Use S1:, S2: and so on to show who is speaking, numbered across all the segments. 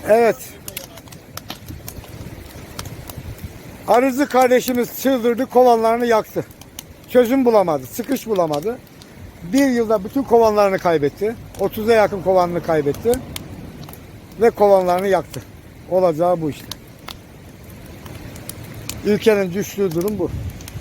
S1: Evet. Arızı kardeşimiz çıldırdı, kovanlarını yaktı. Çözüm bulamadı, çıkış bulamadı. Bir yılda bütün kovanlarını kaybetti. 30'a yakın kovanını kaybetti. Ve kovanlarını yaktı. Olacağı bu işte. Ülkenin düştüğü durum bu.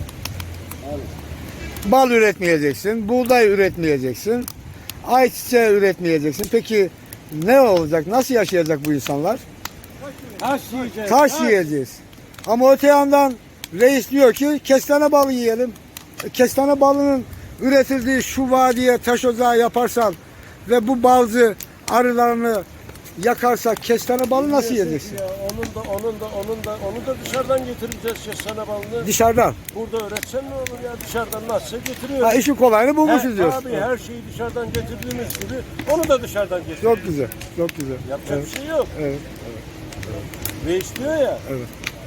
S1: Bal üretmeyeceksin, buğday üretmeyeceksin, ayçiçeği üretmeyeceksin. Peki ne olacak, nasıl yaşayacak bu insanlar?
S2: Taş yiyeceğiz.
S1: Taş yiyeceğiz. Ama öte yandan reis diyor ki kestane balı yiyelim. Kestane balının üretildiği şu vadiye taş ocağı yaparsan ve bu balcı arılarını yakarsak kestane balı nasıl yiyeceksin?
S2: Ya, onu da dışarıdan getireceğiz kestane balını.
S1: Dışarıdan.
S2: Burada öğretsen ne olur ya, dışarıdan nasılsa getiriyoruz.
S1: Ha, işin kolayını bulmuşuz diyorsun.
S2: Abi her şeyi dışarıdan getirdiğimiz gibi onu da dışarıdan getiriyoruz.
S1: Çok güzel, çok güzel.
S2: Yapacak
S1: Evet.
S2: bir şey yok.
S1: Evet.
S2: Ve istiyor ya.
S1: Evet.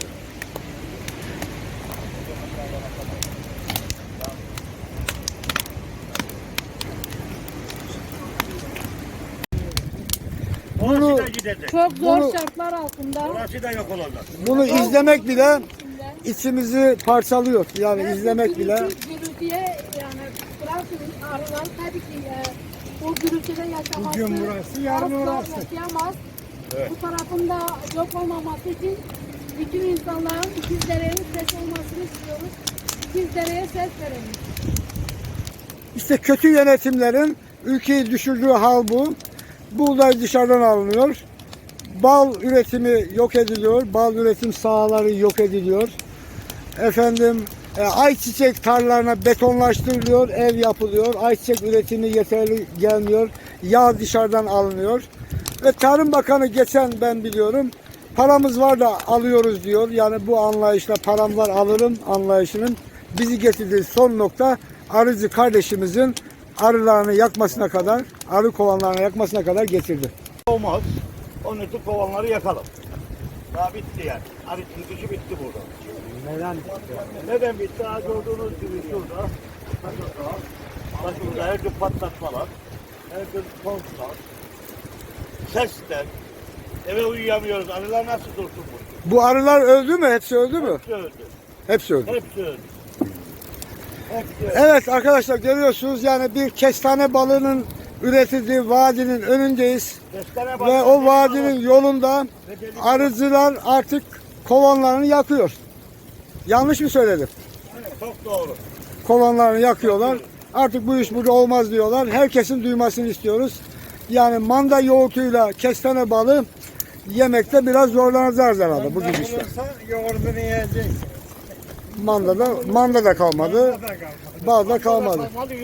S1: Bunu,
S2: Orası da gidecek.
S3: Çok zor
S1: Bunu-
S3: şartlar altında.
S2: Orası da yok olacak.
S1: bunu izlemek bile içimizi parçalıyor. Yani izlemek bile.
S3: Gürültüye yani bırakın arılar tabii ki o gürültüde yaşaması.
S1: Bugün burası, yarın
S3: asla
S1: orası.
S3: yaşayamaz.
S2: Evet.
S3: Bu tarafında yok olmaması için bütün insanların İkizdere'nin ses olmasını istiyoruz. İkizdere'ye ses verelim.
S1: İşte kötü yönetimlerin ülkeyi düşürdüğü hal bu. Buğday dışarıdan alınıyor. Bal üretimi yok ediliyor. Bal üretim sahaları yok ediliyor. Efendim ayçiçek tarlalarına betonlaştırılıyor, ev yapılıyor. Ayçiçek üretimi yeterli gelmiyor. Yağ dışarıdan alınıyor. Ve Tarım Bakanı geçen ben biliyorum paramız var da alıyoruz diyor. Yani bu anlayışla param var alırım anlayışının bizi getirdiği son nokta arıcı kardeşimizin arılarını yakmasına kadar, arı kovanlarını yakmasına kadar getirdi.
S4: Olmaz. Onun için kovanları yakalım. Daha bitti yani. Arı çıkışı bitti burada.
S1: Neden?
S4: Neden bitti? Ha, gördüğünüz gibi şurada. Başımızda her gün patlatmalar. Her gün konuşlar. Sesler. Eve uyuyamıyoruz. Arılar nasıl dursun burada?
S1: Bu arılar öldü mü? Hepsi öldü mü?
S4: Hepsi öldü.
S1: Hepsi öldü.
S4: Hepsi öldü. Hepsi öldü.
S1: Evet arkadaşlar görüyorsunuz yani bir kestane balının üretildiği vadinin önündeyiz.
S4: Kestane
S1: Ve
S4: balı-
S1: o vadinin yolunda arıcılar artık kovanlarını yakıyor. Yanlış mı söyledim?
S4: Çok doğru.
S1: Kovanlarını yakıyorlar. Artık bu iş burada olmaz diyorlar. Herkesin duymasını istiyoruz. Yani manda yoğurtuyla kestane balı yemekte biraz zorlanacağız herhalde bu gidişle.
S2: Yoğurdunu yiyecek.
S1: Manda da kalmadı. Bal da kalmadı.
S4: Kalmadı.